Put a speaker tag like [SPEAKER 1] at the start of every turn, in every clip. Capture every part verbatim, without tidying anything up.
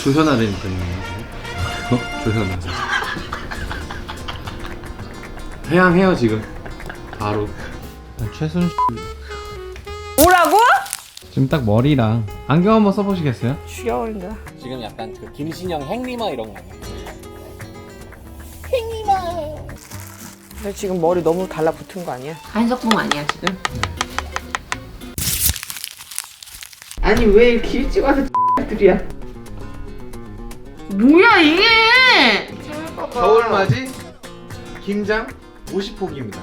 [SPEAKER 1] 조현아라는 분이에요. 어? 조현아. 회양해요 지금. 바로. 최순 씨.
[SPEAKER 2] 뭐라고?
[SPEAKER 1] 지금 딱 머리랑 안경 한번 써보시겠어요?
[SPEAKER 2] 죽여버린다.
[SPEAKER 3] 지금 약간 그 김신영 행리마 이런 거 아니야?
[SPEAKER 2] 근데 지금 머리 너무 달라붙은 거 아니야? 한석봉 아니야 지금? 아니 왜 이렇게 일찍 와서 들이야? 뭐야 이게?
[SPEAKER 1] 겨울맞이 김장 오십 포기입니다.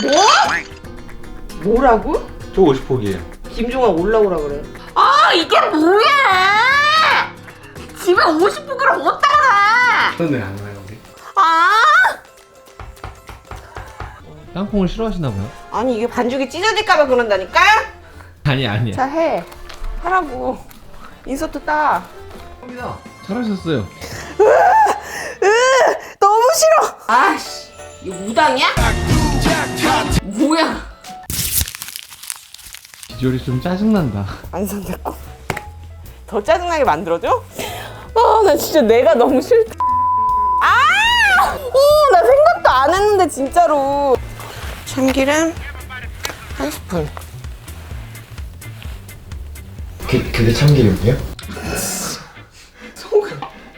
[SPEAKER 2] 뭐? 뭐라고?
[SPEAKER 1] 저 오십 포기예요.
[SPEAKER 2] 김종아 올라오라 그래. 아 이게 뭐야? 집에 오십 포기를 어디다 놔?
[SPEAKER 1] 오늘 안 와요 우리?
[SPEAKER 2] 아!
[SPEAKER 1] 땅콩을 싫어하시나 봐요?
[SPEAKER 2] 아니 이게 반죽이 찢어질까봐 그런다니까?
[SPEAKER 1] 아니 아니야.
[SPEAKER 2] 자 해. 하라고. 인서트 따.
[SPEAKER 1] 합니다. 잘하셨어요.
[SPEAKER 2] 으, 너무 싫어. 아씨, 이거 무당이야? 뭐야?
[SPEAKER 1] 비주얼이 좀 짜증난다.
[SPEAKER 2] 안 산다고. 더 짜증나게 만들어줘? 아, 나 진짜 내가 너무 싫다. 아, 오, 나 생각도 안 했는데 진짜로. 참기름 한 스푼.
[SPEAKER 4] 그, 그게 참기름이요?
[SPEAKER 2] 소금.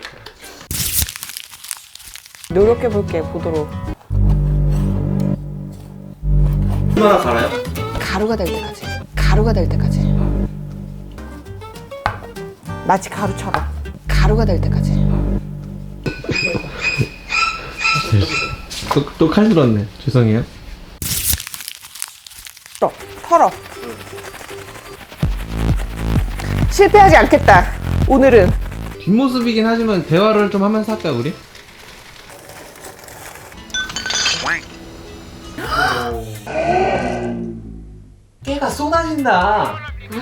[SPEAKER 2] 노력해볼게, 보도록.
[SPEAKER 1] 얼마나 갈아요?
[SPEAKER 2] 가루가 될 때까지. 가루가 될 때까지. 마치 가루처럼. 가루가 될 때까지.
[SPEAKER 1] 또 칼 들었네. 죄송해요.
[SPEAKER 2] 또 털어. 실패하지 않겠다. 오늘은.
[SPEAKER 1] 뒷모습이긴 하지만 대화를 좀 하면서 할까요 우리? 깨가 쏟아진다.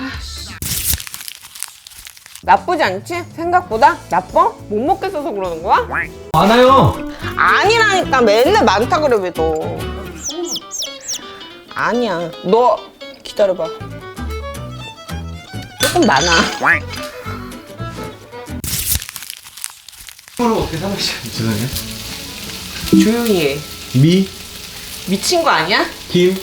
[SPEAKER 2] 나쁘지 않지? 생각보다? 나빠? 못 먹겠어서 그러는 거야?
[SPEAKER 1] 많아요.
[SPEAKER 2] 아니라니까. 맨날 많다 그래 왜 너. 아니야. 너 기다려봐. 조금 많아.
[SPEAKER 1] 이거를 어떻게 사먹시죠? 죄송해요.
[SPEAKER 2] 조용히 해.
[SPEAKER 1] 미,
[SPEAKER 2] 미친 거 아니야?
[SPEAKER 1] 김.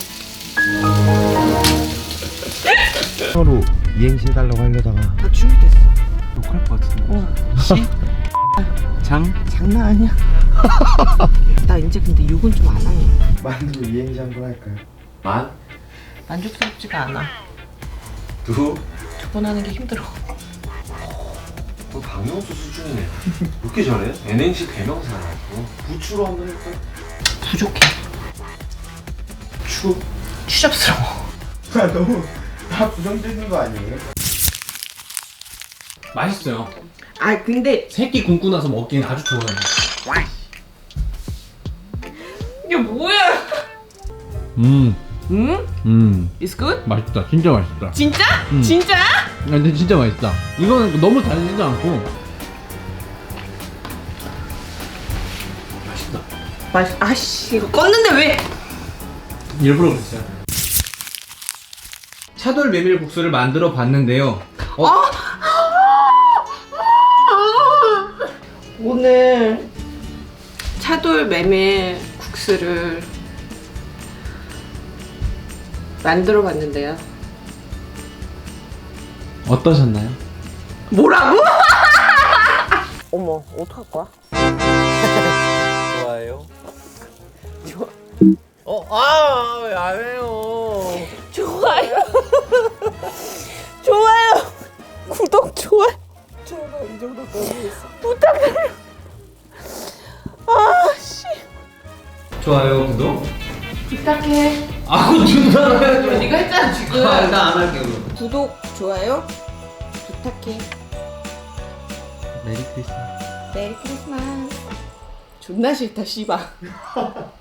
[SPEAKER 4] 서로 이행시 해달라고 하려다가
[SPEAKER 2] 나 준비됐어.
[SPEAKER 1] 욕할 것 같은데.
[SPEAKER 2] 어.
[SPEAKER 1] 시, 장.
[SPEAKER 2] 장난 아니야. 나 이제 근데 욕은 좀 안 하네.
[SPEAKER 4] 만두 이행시 한번 할까요?
[SPEAKER 1] 만,
[SPEAKER 2] 만족스럽지가 않아.
[SPEAKER 1] 두.
[SPEAKER 2] 두 번 하는 게 힘들어.
[SPEAKER 1] 너 박명수 수준이네. 왜 이렇게 잘해? 엔엔씨 대명사라고. 부추로 한번 할까?
[SPEAKER 2] 부족해.
[SPEAKER 1] 추.
[SPEAKER 2] 추잡스러워.
[SPEAKER 4] 아 너무 다 부정적인 거 아니에요?
[SPEAKER 1] 맛있어요.
[SPEAKER 2] 아 근데
[SPEAKER 1] 새끼 굶고 나서 먹기엔 아주 좋아요.
[SPEAKER 2] 이게 뭐야?
[SPEAKER 1] 음,
[SPEAKER 2] 응?
[SPEAKER 1] 음,
[SPEAKER 2] It's good?
[SPEAKER 1] 맛있다. 진짜 맛있다.
[SPEAKER 2] 진짜?
[SPEAKER 1] 음.
[SPEAKER 2] 진짜?
[SPEAKER 1] 아, 근데 진짜 맛있다. 이거는 너무 달지도 않고 맛있다.
[SPEAKER 2] 맛. 아씨 이거 껐는데 왜?
[SPEAKER 1] 일부러 그랬어요. 차돌 메밀국수를 만들어 봤는데요. 어?
[SPEAKER 2] 아! 오늘 차돌 메밀 국수를 만들어 봤는데요.
[SPEAKER 1] 어떠셨나요?
[SPEAKER 2] 뭐라고? 어머 어떡할 거야?
[SPEAKER 3] 좋아요.
[SPEAKER 2] 좋아.
[SPEAKER 3] 어, 아, 왜 안 해요?
[SPEAKER 2] 좋아요. 좋아요. 구독 좋아요. 제발 이 정도까지 부탁드려요. 아씨.
[SPEAKER 1] 좋아요, 구독.
[SPEAKER 2] 부탁해.
[SPEAKER 1] 아, 준다고요?
[SPEAKER 2] 네가 했잖아 지금.
[SPEAKER 1] 아, 나 안 할게요. 그럼.
[SPEAKER 2] 구독 좋아요 부탁해.
[SPEAKER 1] 메리 크리스마스.
[SPEAKER 2] 메리 크리스마스. 존나 싫다 씨발.